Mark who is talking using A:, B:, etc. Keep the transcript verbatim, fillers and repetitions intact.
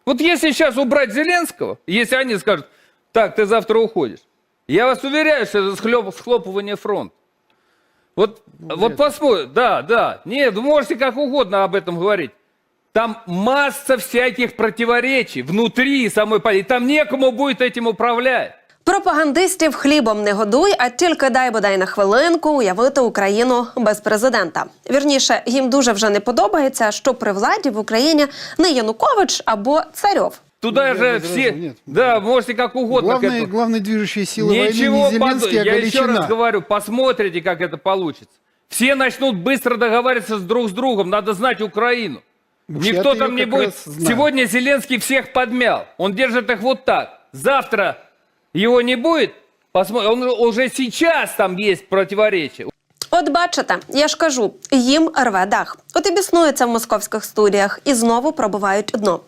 A: Вот если сейчас убрать Зеленского, если они скажут, так, ты завтра уходишь, я вас уверяю, что это схлоп, схлопывание фронта. Вот, ну, вот посмотрим, да, да, нет, вы можете как угодно об этом говорить. Там масса всяких противоречий внутри самой политики, там некому будет этим управлять.
B: Пропагандистів хлібом не годуй, а тільки дай бодай на хвилинку уявити Україну без президента. Вірніше, їм дуже вже не подобається, що при владі в Україні не Янукович або Царьов.
A: Туда
C: ну,
A: же
C: возражу,
A: все,
C: нет.
A: да, можете как угодно.
C: Главной,
A: к
C: главной движущей силой
A: Ничего
C: войны не Зеленский, а
A: Я еще
C: Галичина.
A: раз говорю, посмотрите, как это получится. Все начнут быстро договариваться с друг с другом, надо знать Украину.
C: Уж
A: Никто
C: я-то
A: там
C: её
A: не
C: как
A: будет.
C: раз знаю.
A: Сегодня Зеленский всех подмял. Он держит их вот так. Завтра его не будет. Посмотрим. Он уже сейчас там есть противоречия.
B: От бачите, я ж кажу, їм рве дах. От і біснуються в московських студіях і знову пробивають дно.